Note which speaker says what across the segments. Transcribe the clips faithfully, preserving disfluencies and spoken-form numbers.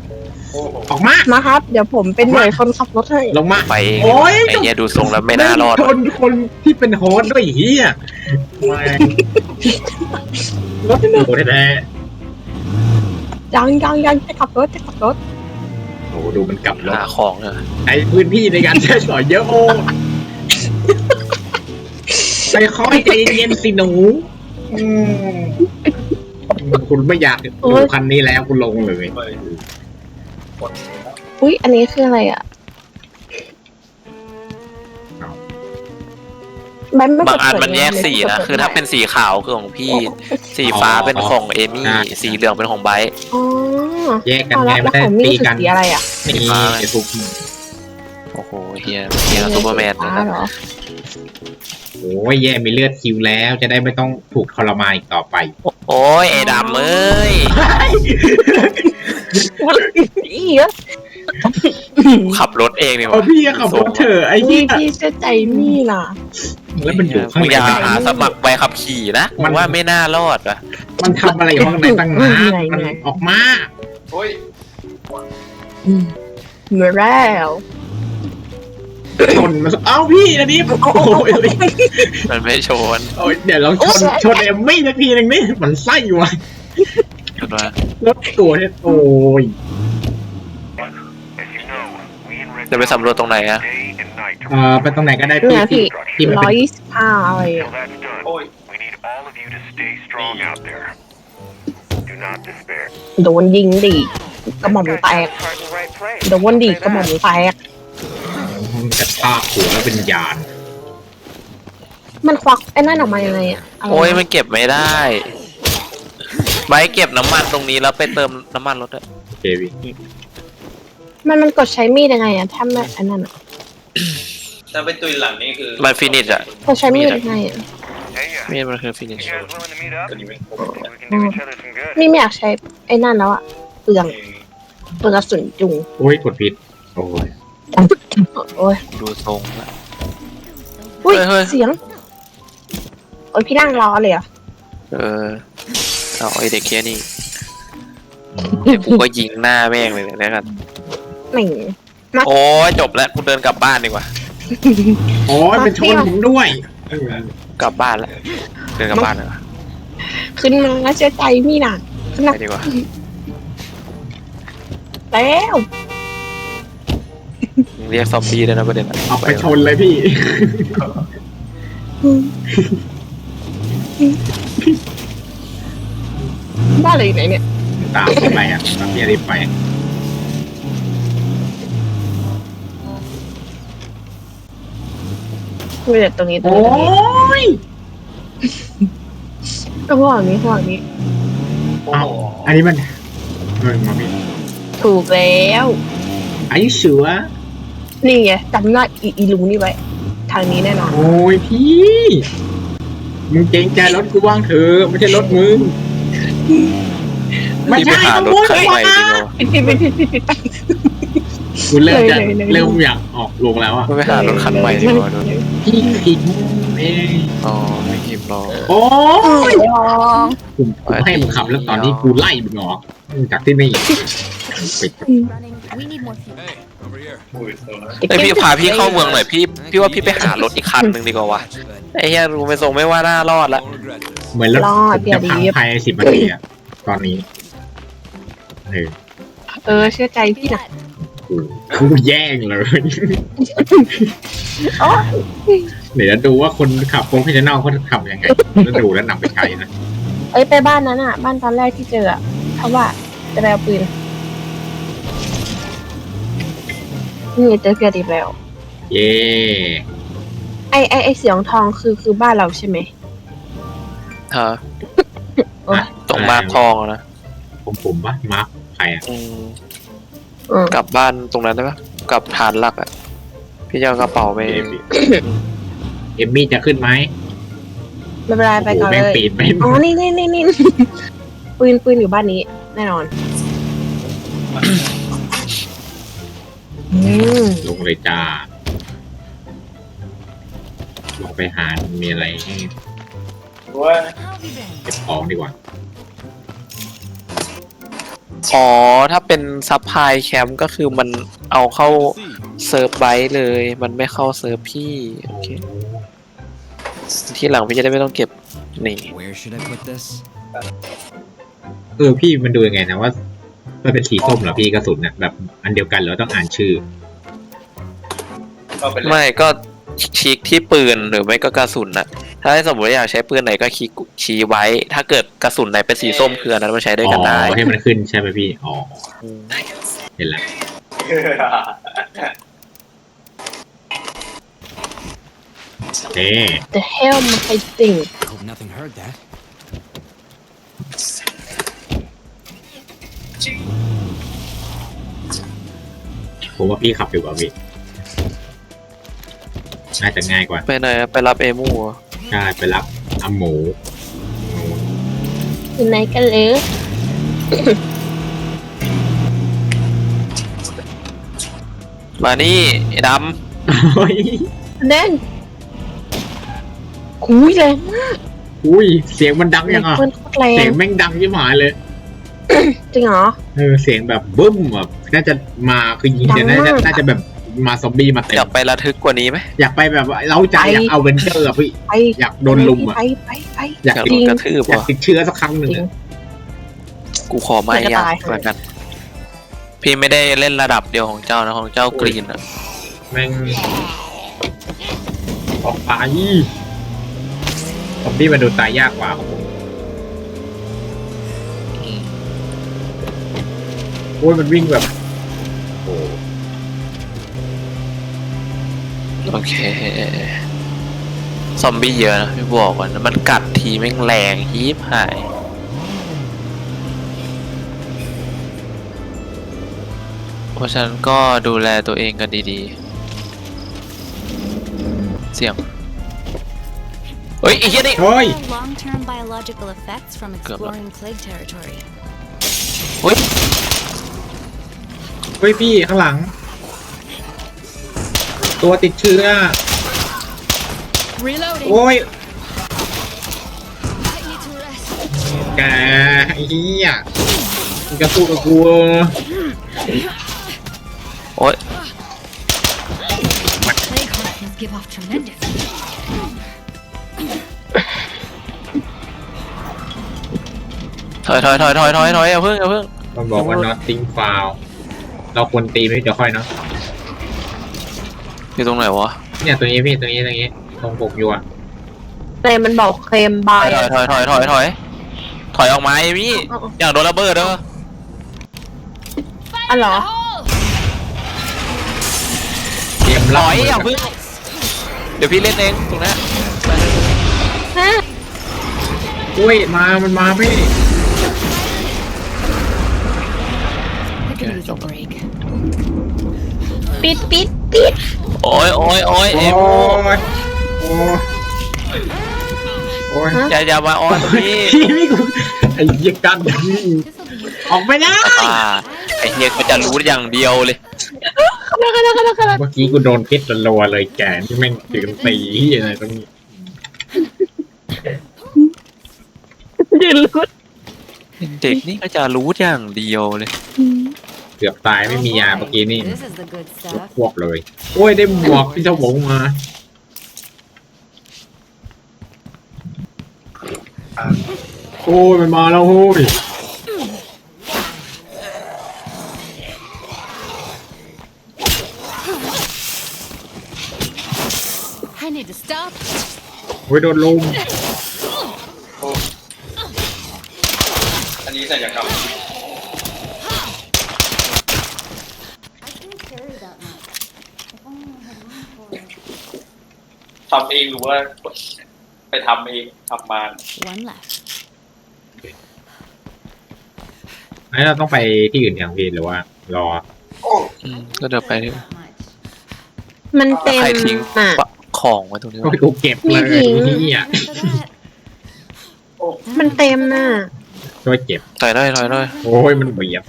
Speaker 1: ออกมา
Speaker 2: มาครับเดี๋ยวผมเป็นหน่วยคนขับรถให้
Speaker 1: ลงมา
Speaker 3: ไปเอง
Speaker 1: โอ้ย
Speaker 3: ไอ้เนี้ยดูทรงแล้วไม่น่ารอด
Speaker 1: ชนคนที่เป็นโฮสต์ด้วยเฮียรถโหแท้
Speaker 2: ยังยังยังจะขับรถจะขับรถ
Speaker 1: ๆโอ้ดูมันกลับรถ
Speaker 3: หาของเนอะ
Speaker 1: ใช้พื้นที่ในการใช้สอยเยอะโอ้ใจคอยใจเย็นสิหนูอืมคุณไม่อยากดูคันนี้แล้วคุณลงเลย
Speaker 2: อุ้ยอันนี้คืออะไรอ่ะมันไม่
Speaker 3: บางอัน
Speaker 2: เปิด
Speaker 3: มันแยกสีนะคือถ้าเป็นสีขาวคือของพี่สีฟ้าเป็นของเอมี่สีเหลืองเป็นของไบร์ท
Speaker 2: อ๋อ
Speaker 1: แยกกัน
Speaker 2: เอา
Speaker 1: ไง
Speaker 2: ละ
Speaker 1: ไม่
Speaker 2: แล้ว
Speaker 1: ได้
Speaker 2: ของมี่
Speaker 1: ตี
Speaker 2: คือ
Speaker 1: กัน
Speaker 2: สีอะไรอ่ะ
Speaker 1: นี่ไอ้ทุก
Speaker 3: โอ้โหเฮียเฮียซูเปอร์แมนเลย
Speaker 2: ฟ้า
Speaker 3: นะ
Speaker 2: เหรอ
Speaker 1: โอ้ยแย่มีเลือดคิวแล้วจะได้ไม่ต้องถูกทรมานอีกต่อไป
Speaker 3: โอ้ยไอ้ดำเอ้ย
Speaker 2: อีเหรอ
Speaker 3: ขับรถเองนี่
Speaker 1: เออพี่ขับรถเถอะไอ้
Speaker 2: พี่
Speaker 1: เหี้ย
Speaker 2: พี่เชื่อใจมี่ล่ะ
Speaker 1: แล้วมันอยู่ข้าง
Speaker 3: มึง
Speaker 1: ใน
Speaker 3: อย่า
Speaker 1: มัน
Speaker 3: หาสมัครใบขับขี่นะ
Speaker 1: มั
Speaker 3: มัน นว่าไม่น่ารอดอ่ะ
Speaker 1: มันทำอะไรอยู่ข้างในตั้งนานมันออกมา
Speaker 2: อืมเหมือนแล้ว
Speaker 1: ชนมันเอ้าพี่อันนี้โอ้ย
Speaker 3: มันไม่ชน
Speaker 1: โอ้ยเดี๋ยวลองชนชนเอมมี่สักทีหนึ่งนี่มันไส้อยู่วะ
Speaker 3: ชนว่าร
Speaker 1: ถตัวเนี่ยโอ้ย
Speaker 3: จะไปสำรวจตรงไหนอะ
Speaker 1: เอ่อไปตรงไหนก็ได้
Speaker 2: เนี่
Speaker 1: พี่
Speaker 2: ย
Speaker 1: ที่
Speaker 2: พี่
Speaker 1: ที่มัน
Speaker 2: ร้
Speaker 1: เป็
Speaker 2: อย
Speaker 1: น
Speaker 2: ยี่สิบห้าอะไรอ่ะ โดนยิงดิกระหม่อมแตกโดนดิกระหม่อมแตก
Speaker 1: กระชากหัวแล้วเป็นยาน
Speaker 2: มันควักไอ้นั่นออกมายังไงอ่ะะไรนะ
Speaker 3: โอ้ยมันเก็บไม่ได้ใบเก็บน้ำมันตรงนี้แล้วไปเติมน้ำมันรถอะ
Speaker 1: เควิ
Speaker 2: มันมันกดใช้มีดยังไงอ่ะถ้าไม่อันนั้นอ่ะ
Speaker 4: ถ้าเป็นตุยหลังนี่คือ
Speaker 3: มันฟินิชอะ
Speaker 2: กดใช้มีดยังไงอ่ะ
Speaker 3: มีดมันคือฟินิช
Speaker 4: ตัวนี้ไม่ครบ
Speaker 2: นี่ไม่อยากใช้ไอ้นั่นแล้วอ่ะเปลืองเปลืองกระสุนจุง
Speaker 1: โอ้ยกดผิดโอ้ย
Speaker 2: โอ้ย
Speaker 3: ดูทรงละ
Speaker 2: อุ้ย
Speaker 3: เฮ้ยเฮ้ย
Speaker 2: เสียงโอ้ยพี่นั่งรอเลยเหรอ่ะ
Speaker 3: เออเอาไอเด็กเคียนี่กูก็ยิงหน้าแม่งเลยเนี่ยกัน
Speaker 2: หนึ่ง
Speaker 3: โอ้ยจบแล้วกูเดินกลับบ้านดีกว่า
Speaker 1: โอ้ยเป็นชนผมด้วยเออก
Speaker 3: ลับบ้านแล้วเดินกลับบ้านเลย
Speaker 2: ขึ้นมาแล้วเชื่อใจพี่น่ะขึ้นมา
Speaker 3: ไปดีกว่า
Speaker 2: แล้ว
Speaker 3: เรียกซอมบี้ได้นะประเด็นอะ
Speaker 1: เอาไปชนเลยพี่
Speaker 2: บ้านอะไรอยู่ไหนเนี่ย
Speaker 1: ตามไปอ่ะตามพี่อริไป
Speaker 2: มีแต่ตรงนี้ตรง
Speaker 1: โอ้
Speaker 2: นี้
Speaker 1: ย
Speaker 2: ตรงนี้ห่วงนี้ห่วงนี้
Speaker 4: โอ้
Speaker 1: เอา
Speaker 4: โห
Speaker 1: อันนี้มันเฮ้ยมาพี่
Speaker 2: ถูกแล้ว
Speaker 1: อายุเสือ
Speaker 2: นี่ไงจำหน้าอีอีลุงนี่ไว้ ทางนี้แน่นอน
Speaker 1: โอ้ยพี่มึงเกรงใจรถกูบ้างเถอะไม่ใช่รถมึงไม่
Speaker 3: ที่ไป
Speaker 1: ใช่
Speaker 3: หารถคันใหม่ดีกว่า
Speaker 2: ปิดปิดปิดปิดปิดปิด
Speaker 1: กูเริ่มจะ
Speaker 2: เลยเลยเลย
Speaker 1: เริ่มอยากออกลงแล้วอ่ะ
Speaker 3: ไม่ไปหารถคันใหม่ดีกว่าดู
Speaker 1: พี่ผิดเอง
Speaker 3: อ๋อไม่กิมรอ
Speaker 1: โอ้ย
Speaker 2: ลอง
Speaker 1: ผมผมให้มึงขับแล้วตอนนี้กูไล่มึงออกจากที่นี่ปิด
Speaker 5: We need more fuel.
Speaker 3: ไอยพี่พาพี่เข้าเมืองหน่อยพี่พี่ว่าพี่ไปหารถอีกคันหนึ่งดีกว่าวะไอ้เหี้ยรู้ไม่ทรงไม่ว่าน่ารอดละ
Speaker 1: เหมือนรถผมจะพังภายในสิบนาทีอะตอนนี้เออ
Speaker 2: เออเชื่อใจพี่นะ
Speaker 1: กูกูแย่งเลย
Speaker 2: โอ้
Speaker 1: เดี๋ยวจะดูว่าคนขับโปรเฟชชั่นแนลเขาทำยังไงแล้วดูแล้วนำไปใช้นะ
Speaker 2: เอ้ยไปบ้านนั้นอ่ะ บ้านตอนแรกที่เจออ่ะเพราะว่าจะไปเอาปืนนี่เจอเพียดีแล้ว
Speaker 1: เย่
Speaker 2: ไอไอไอเสียงทองคือคือบ้านเราใช่ไหม
Speaker 3: ฮะ
Speaker 2: โอ้ย
Speaker 3: ตรงมาทองอะนะ
Speaker 1: ผมผมปะมาร์คใครอะ
Speaker 3: อืม
Speaker 2: อืม
Speaker 3: กลับบ้านตรงนั้นได้ปะกลับฐานหลักอ่ะพี่จะเอากระเป๋าไป
Speaker 1: เอมเอมมี่จะขึ้นไหม
Speaker 2: ไม่เป็นไรไปก่อน
Speaker 1: โอ้โหแม่ง
Speaker 2: เลย
Speaker 1: ปีนไป
Speaker 2: อ๋อนี่นี่นี่นี่ ปืนปืนอยู่บ้านนี้ แน่นอนอืม
Speaker 1: ลงเลยจ้าลงไปหามีอะไรให้
Speaker 4: ว่า
Speaker 1: เก็บของดีกว่า
Speaker 3: อ๋อถ้าเป็นซับพลายแคมป์ก็คือมันเอาเข้าเซิร์ฟไบต์เลย มันไม่เข้าเซิร์ฟพี่โอเคที่หลังพี่จะได้ไม่ต้องเก็บนี่
Speaker 6: Where should I put this?
Speaker 1: เออพี่มันดูยังไงนะว่ามันเป็นสีส้มเหรอพี่กระสุนเนี่ยแบบอันเดียวกันหรือต้องอ่านชื่อ
Speaker 4: ก็เป็น
Speaker 3: ไม่ก็คลิกที่ปืนหรือไม่ก็กระสุนนะถ้าสมมติอยากใช้ปืนไหนก็คลิกชี้ไว้ ถ้าเกิดกระสุนไหนเป็นสีส้มคืออันนั้นมาใช้ด้วยกันได้
Speaker 1: อ๋อให้มันขึ้นใช่ไหมพี่อ๋อเห็นแล้วเอ๊
Speaker 2: The hell my thing
Speaker 6: Hope nothing heard that.
Speaker 1: ผมว่าพี่ขับดีกว่าพี่น่าจะง่ายกว่า
Speaker 3: ไปไหนอะไปรับเอมูเหรอ
Speaker 1: ใช่ไปรับอาหมู
Speaker 2: อยู่ไหนกันเลย
Speaker 3: มานี่ไอ้ด
Speaker 1: เฮ้ย
Speaker 2: แน่นคุยแรงมาก
Speaker 1: อุ้ยเสียงมันดังยังอ่ะ
Speaker 2: เพื่อนโคตรแร
Speaker 1: เสีย
Speaker 2: ง
Speaker 1: งแม่งดังยิ่งหายเลย
Speaker 2: จริงเหรอ
Speaker 1: เออเสียงแบบบึ้มแบบน่าจะมาคือยิงจะ
Speaker 2: ดั
Speaker 1: น่าง
Speaker 2: มาก
Speaker 1: จะน่าจะแบบมาซอมบี้มาเต็
Speaker 3: ำอยาม กไประทึกกว่านี้ไหม
Speaker 1: อยากไปแบบว่าเล้าใจ
Speaker 2: ไป
Speaker 1: อยากเอาเวนเจอร์อะพี่
Speaker 2: ไป
Speaker 1: อยากโดนลุมอ่ะ
Speaker 2: ไปไปไป
Speaker 1: อยาก
Speaker 3: อยาก
Speaker 1: ติ
Speaker 3: โด
Speaker 1: ด
Speaker 3: นกระทืบ
Speaker 1: อยาก
Speaker 3: วะ
Speaker 1: ติดเชื้อสักครั้งหนึ่ง
Speaker 2: จริง
Speaker 1: อะ
Speaker 3: กูขอไม่
Speaker 2: อยากจะ
Speaker 3: ยาก
Speaker 2: ตาย
Speaker 3: เหมือนกัน พี่ไม่ได้เล่นระดับเดียวของเจ้านะของเจ้ากรีนอะ
Speaker 1: แม่งออกไปซอมบี้มันดูตายยากกว่าของผมโอ้ยมันวิ่งแบบโอ้
Speaker 3: โอเคซอมบี้เยอะนะพี่บอกก่อนนะมันกัดทีแม่งแรงฮีบหายเพราะฉะนั้นก็ดูแลตัวเองกันดีๆ เสียง เฮ้ยไอ้เหี้ยนี่
Speaker 1: เฮ้ย
Speaker 5: Long-term biological effects from exploring plague territory.
Speaker 3: เฮ้ย
Speaker 1: เฮ้ยพี่ข้างหลัง ตัวติดเชื้อ
Speaker 5: Reloading.
Speaker 1: โอ้ย
Speaker 5: I need to rest.
Speaker 1: แกไอ้เหี้ยมึงจะสู้กับกู
Speaker 3: โอ๊ย
Speaker 5: Plague harkins give off tremendous.
Speaker 3: ถอยถอยถอยถอยถอยถอยอย่าเพิ่งอย่าเพิ่ง
Speaker 1: มันบอกว่า nothing foul เราควรตีไม่เดี๋ยวค่อยเนาะ
Speaker 3: อยู่ตรงไหนวะ
Speaker 1: เนี่ยตัวนี้พี่ตัวนี้ตัวนี้ตรงปกอยู่อะ
Speaker 2: แต่มันบอกเคลมบา
Speaker 3: ถอย ยถอยถอยถอยถอยถอยถอยออกมาไอ้พี่อย่างโดนระเบิดเด้อ
Speaker 2: อ๋อเหรอ
Speaker 1: เตรียม
Speaker 3: ถ
Speaker 1: รับ
Speaker 3: อย
Speaker 1: มือ
Speaker 3: อย่า
Speaker 1: กับ
Speaker 3: เพิ่งเดี๋ยวพี่เล่นเองตรงนี้
Speaker 2: ฮะ
Speaker 1: อุ้ยมามันมาพี่
Speaker 5: I could use a break.
Speaker 2: ปิดปิดปิด
Speaker 3: โอ้ยโอ้ยโอ้ย
Speaker 1: โอ้
Speaker 3: เอ็
Speaker 1: ย
Speaker 3: ม
Speaker 1: โอ้ยโอ้ย
Speaker 3: อย่าอย่ามาออนพี่
Speaker 1: พี่พี่กูไอ้เหี้ยกันออกไปนะ
Speaker 3: อ่าไอ้เฮียก็จะรู้อย่างเดียวเลย
Speaker 2: ขนาดขนาดขนาดขนาด
Speaker 1: เมื่อกี้กูโดนพิษรัวๆเลยแกที่แม่งถึงตีอะไรตรงนี้
Speaker 2: ยืนรุด
Speaker 3: เด็กนี่ก็จะรู้อย่างเดียวเลย
Speaker 1: เกือบตายไม่มียาเมื่อกี้นี่
Speaker 5: This is the good stuff.
Speaker 1: ควบเลย โอ้ยได้หมวกพี่เจ้าหงมาโอ้ยมันมาแล้วโอ้ย
Speaker 5: I need to stop.
Speaker 1: โอ้ยโดนลุม
Speaker 4: อันนี้ศัลยกรรม
Speaker 5: I can't carry that much. If only I had room for it.
Speaker 4: ทำเองหรือว่าไปทำเองทำมา
Speaker 5: One left.
Speaker 1: ไอ้เราต้องไปที่อื่นอย่างพี่หรือว่ารอ
Speaker 3: อืมก็เดี๋ยวไปที่
Speaker 5: That much.
Speaker 2: มันเต็ม
Speaker 3: ใครทิ้ง
Speaker 2: อ่ะ
Speaker 3: ของไว้ตรงนี้
Speaker 1: โอ้
Speaker 3: วะ
Speaker 1: ยกูเก็บเลย
Speaker 2: มีหญิง
Speaker 1: นี่อ่ะ
Speaker 5: For that.
Speaker 2: มันเต็มน่ะ
Speaker 1: ช่วยเก็บ
Speaker 3: ถอยได้ถอยได้
Speaker 1: โอ้ยมันเบียดกัน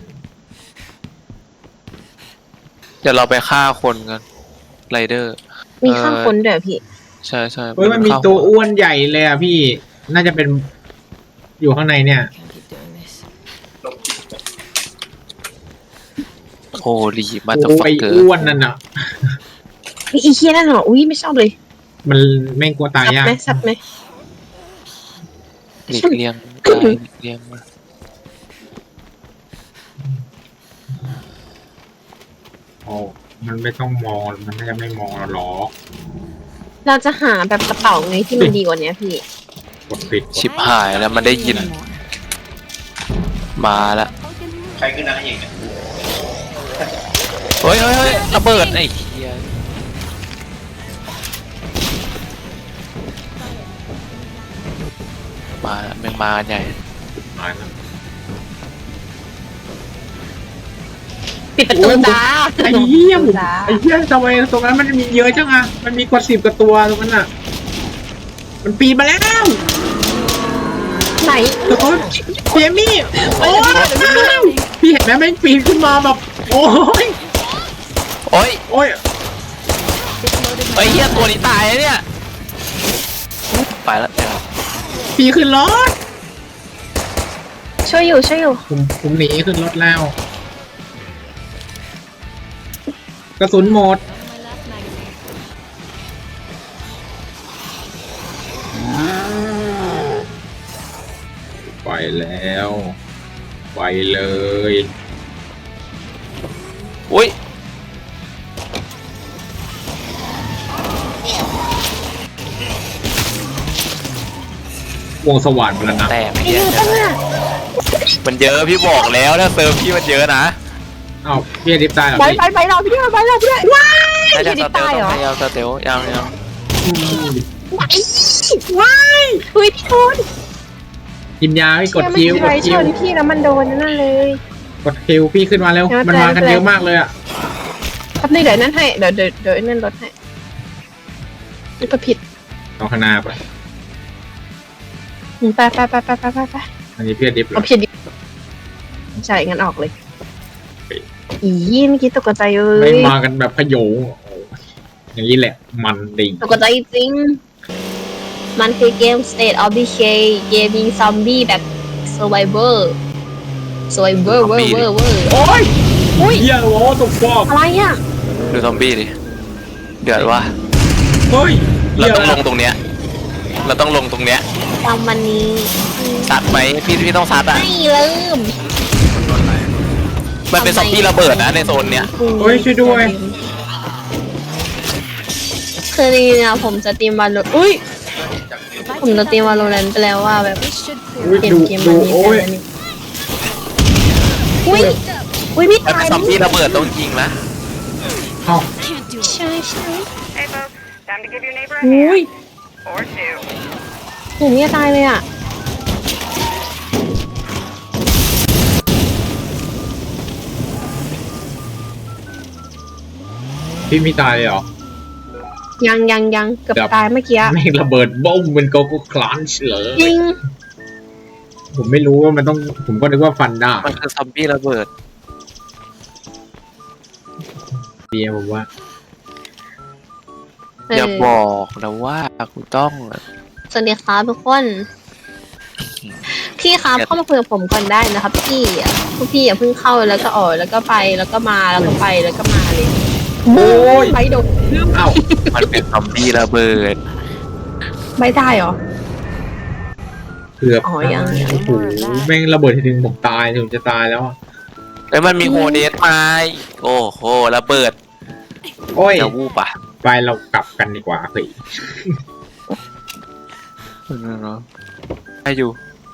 Speaker 3: เดี๋ยวเราไปฆ่าคนกันไรเดอร์
Speaker 2: มีข้างคนเดี๋ยวพี่
Speaker 3: ใช่ใช่
Speaker 1: เฮ้ยมันมีตัวอ้วนใหญ่เลยอ่ะพี่น่าจะเป็นอยู่ข้างในเนี่ย
Speaker 5: Can't keep doing this.
Speaker 3: ลีมาตอร์
Speaker 1: โอ้
Speaker 3: ฟั
Speaker 1: ย
Speaker 3: กเกอร์
Speaker 1: อ้วนนั่นอ่ะ
Speaker 2: อีเคียนั่นเหรออุ้ยไม่ชอบเลย
Speaker 1: มันแม่งกลัวตาย
Speaker 2: สับ
Speaker 1: ยาก
Speaker 2: ไหมสับไหม
Speaker 3: หลีกเลี่ยงได้หลีกเลี่ยงมา
Speaker 1: โอ้มันไม่ต้องมองมันน่าจะไม่มองเราหรอก
Speaker 2: เราจะหาแบบกระเป๋าไงที่มันดีกว่านี้พี่
Speaker 1: กดปิด
Speaker 3: ชิบหายแล้วมันได้ยินมาแล้ว
Speaker 4: ใครคือนางเอกเนี่ย
Speaker 3: เฮ้ยเฮ้ยเฮ้ยระเบิดไอ้เหี้ยมาแม่งมาใหญ่
Speaker 1: มาแล้ว
Speaker 2: ปิดประตูจ้า
Speaker 1: ไอ้เหี้ยผม
Speaker 2: จ้า
Speaker 1: ไอ้เหี้ยทำไมตรงนั้นมันมีเยอะจังอะมันมีกว่าสิบกว่าตัวตรงนั้นอะมันปีนมาแล้ว
Speaker 2: ไหน
Speaker 1: ทุกคนเจมี่โอ้ยพี่เห็นไหมแม่งปีนขึ้นมาแบบโอ้ย
Speaker 3: โอ้ย
Speaker 1: โอ้ย
Speaker 3: ไอ้เหี้ยตัวนี้ตายแล้วเนี่ยไปแล้วเดี๋ยว
Speaker 1: ปีนขึ้นรถ
Speaker 2: ช่วยอยู่ช่วยอยู่
Speaker 1: ผมผมหนีขึ้นรถแล้ว กระสุนหมดไปแล้วไปเลย
Speaker 3: อุ้ยว
Speaker 1: งสว่านพลังงาน
Speaker 3: แตกไอ้เหี้ยมันเยอะพี่บอกแล้วถ้าเซิร์ฟพี่มันเยอะนะ
Speaker 1: เอ้าพี่อดิบตายเหรอ
Speaker 2: ไป
Speaker 1: พี่
Speaker 2: ไปไปเราพี่ไปเราพี่ว้าย
Speaker 3: ถ้าจะ
Speaker 2: พี่
Speaker 3: ส
Speaker 2: ดิ
Speaker 3: เตล
Speaker 2: ตาย
Speaker 3: ต้
Speaker 2: เหร
Speaker 3: อง
Speaker 2: อ
Speaker 3: พยายามสเตลยังยัง
Speaker 1: อืม
Speaker 2: ว้ายเฮ้ยพี่ทุน
Speaker 1: กินยาพี่กด
Speaker 2: เชื่
Speaker 1: คิ
Speaker 2: อ
Speaker 1: ว
Speaker 2: ไม่
Speaker 1: ก
Speaker 2: ใช่
Speaker 1: ด
Speaker 2: ช
Speaker 1: คิวน
Speaker 2: พี่แล้วมันโดนนั่นเลย
Speaker 1: กดคิวพี่ขึ้นมาเร็ว
Speaker 2: เดี๋ยว
Speaker 1: มันมากัน
Speaker 2: เดี๋ยว
Speaker 1: เยอะมากเลยอะ
Speaker 2: แป๊บนึงเดี๋ยวนั่นให้เดี๋ยวเดี๋ยวเดี๋ยวนั่นลดให้นี่ก็ผิด
Speaker 1: ต้องข้างหน้าไป
Speaker 2: อืมไปไปไปไปไปไปไป
Speaker 1: อันนี้พี่อดิบเหร
Speaker 2: เอา
Speaker 1: อ
Speaker 2: ผิดดิใช่งั้นออกเลยอีเมื่อกี้ตกใจเล
Speaker 1: ไม่
Speaker 2: ย
Speaker 1: มากันแบบพะโยงโอ้โหอย่างนี้แหละมันดี
Speaker 2: ตกใจจริง มันคือเกม State of Decay เกมยิงซอมบี้แบบ Survivor Survivor เวอร์เวอร์เวอร์
Speaker 1: โอ้ย
Speaker 2: อุ้ย
Speaker 1: เฮียโว้ตกฟอก
Speaker 2: อะไรอ่ะ
Speaker 3: ดูซอมบี้ดิเดือดว่ะ
Speaker 1: เฮ้ย
Speaker 3: เรา
Speaker 1: หี้ย
Speaker 3: ต้องลงตรงเนี้ยเราต้องลงตรงเนี้ย
Speaker 2: จำวันนี้
Speaker 3: ซัดไหมพี่พี่ต้องซัดอ่ะ
Speaker 2: ไม่ลืม
Speaker 3: มันเป็นซอมบี้ระเบิดนะในโซนเนี้ย
Speaker 1: เฮ้ยช่วยด้วย
Speaker 2: คือจริงๆอะผมจะตีมวาโลอุ้ย ผมจะตีมวาโลแรนต์ไปแล้วว่าแบบ
Speaker 1: อุ้ย
Speaker 2: เกม
Speaker 1: ดู
Speaker 2: เกม
Speaker 1: ดู
Speaker 2: มันมี
Speaker 1: โอ้ย
Speaker 2: แต่อันนี้อุ้ย อุ้ยพี่
Speaker 3: มัน
Speaker 2: ตา
Speaker 3: เป็
Speaker 2: ย
Speaker 3: นซอมบี้ระเบิดต้องยิงนะ
Speaker 1: เอ้า
Speaker 2: ใช่ใช่
Speaker 7: Hey folks, time to give your neighbor a
Speaker 2: อุ้ย
Speaker 7: hand. Or two.
Speaker 2: ผมเนี่ยตายเลยอ่ะ
Speaker 1: พี่ไม่ตายเลยเหรอ
Speaker 2: ยังยังยังเกือบ
Speaker 1: เกือบ
Speaker 2: ตายเมื่อกี้อะ
Speaker 1: ไม่งระเบิดบ้มเป็นโกโก้คลันช์เลย
Speaker 2: จริง
Speaker 1: ผมไม่รู้ว่ามันต้อง ผมก็นึกว่าฟันได้
Speaker 3: มันคือซอมบี้ระเบิด
Speaker 1: เดียวผมว่า
Speaker 2: เออ
Speaker 3: อย่าบอกนะว่ากูต้อง
Speaker 2: สวัสดีครับทุกคน พี่ครับเข้ามาคุยกับผมก่อนได้นะครับพี่อะพวกพี่อย่าเพิ่งเข้าแล้วก็ออกแล้วก็ไปแล้วก็มาแล้วก็ไปแล้วก็มาเลย
Speaker 1: โอ้ย
Speaker 2: ใบโดน
Speaker 1: เอ้า
Speaker 3: มันเป็นซอมบี้ระเบิด
Speaker 2: ใบได้เหรอ
Speaker 1: เกือบ
Speaker 2: อ๋อยังยัง
Speaker 1: โอ้โหแม่งระเบิดทีนึงผมตายผมจะตายแล้วอะ
Speaker 3: แล้วมันมีโฮเดสมาอีกโอ้โหระเบิด
Speaker 1: โอ้ย
Speaker 3: จะวูบอ่ะ
Speaker 1: ไปเรากลับกันดีกว่าเฮ้ย
Speaker 3: ให้อยู่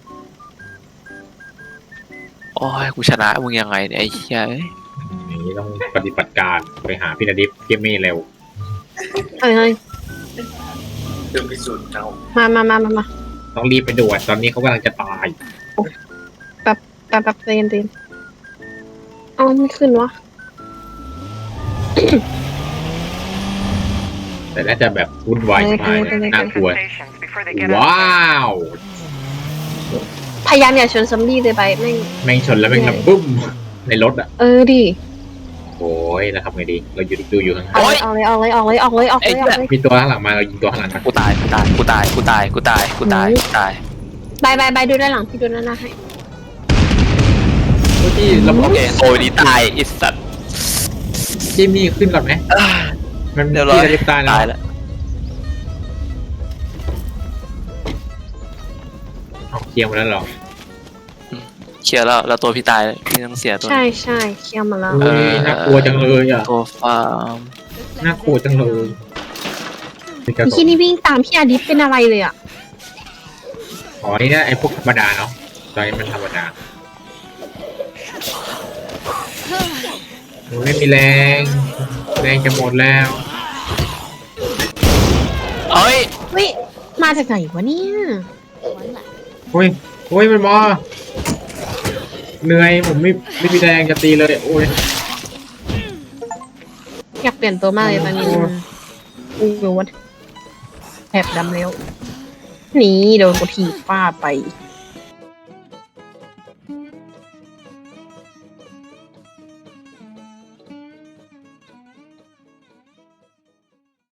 Speaker 3: โอ้ยกูชนะมึงยังไงเนี่ยไอ้เหี้ยเอ้ย
Speaker 1: อย่างนี้ต้องปฏิบัติการไปหาพี่นาดิฟเกมมี่เร็ว
Speaker 2: เฮ้ยเฮ้ย
Speaker 4: เรื่องพิสูจน์เอา
Speaker 2: มามามามามา
Speaker 1: ต้องรีบไปด่วนตอนนี้เขากำลังจะตาย
Speaker 2: แป๊บแป๊บเรียนเรียนเอาไม่ขึ้นวะ
Speaker 1: แต่น่าจะแบบวุ่นวายมากเลยน่ากลัว
Speaker 7: Stations before they get
Speaker 1: ว้าว
Speaker 2: พยายามอย่าชนซอมบี้เลยไปแม่ง
Speaker 1: แม่งชนแล้วแม่งแบบบึ้มในรถอ่ะ
Speaker 2: เออดิ
Speaker 1: โอ้ยแล้วทำไงดี เราอยู่ดูอยู่ข้างห
Speaker 2: เอา
Speaker 1: น้า
Speaker 2: เลยเอาเลยเอาเลยเอาเลยเอาเลยเอาเลยเอาเลย
Speaker 1: มีตัวข้างหลังมาเรายิงตัวข้างหลังกัน
Speaker 3: กูตายกูตายกูตายกูตายกูตายกูตายกูตาย
Speaker 2: บายบายบายดูด้านหลังพี่ดูด้านหน้าให้
Speaker 1: ที่เรา
Speaker 3: โอเคโอ้ยนี่ตายไอิสัตว์
Speaker 1: จิมมี่ขึ้นก่อนไหมมัน
Speaker 3: เดี๋ยวรอ
Speaker 1: พี่จะรีบตาย
Speaker 3: ตาย
Speaker 1: แล้ว
Speaker 3: แล้ว
Speaker 1: เอาเคลียร์หมดแล้วเหรอ
Speaker 3: เคลียร์แล้วแล้วตัวพี่ตายพี่ต้องเสียตัว
Speaker 2: ใช่ใช่เคลียร์มาแล้ว
Speaker 1: เฮ้ยน่ากลัวจังเลยอ่ะ
Speaker 3: ตัวฟาร์ม
Speaker 1: น่ากลัวจังเลยนี่กระ
Speaker 2: ไอ้
Speaker 1: ส
Speaker 2: ที่นี่วิ่งตามพี่อาดิฟเป็นอะไรเลยอ่ะ
Speaker 1: อ๋อนี่นะไอ้พวกธรรมดาเนาะตอนนี้มันธรรมดาโอ้ยไม่มีแรงแรงจะหมดแล้ว
Speaker 3: เอ้ย
Speaker 2: เฮ้ยมาจากไหนวะเนี่ย
Speaker 5: One left.
Speaker 1: โอ้ยโอ้ยมันมาเหนื่อยผมไม่ไม่มีแรงจะตีเลยโอ้ย
Speaker 2: อยากเปลี่ยนตัวมากเลยตอนนี้
Speaker 1: โอ้ย
Speaker 2: อู้หูแถบดำแล้วหนีโดนกูถีบฟาดไปอีก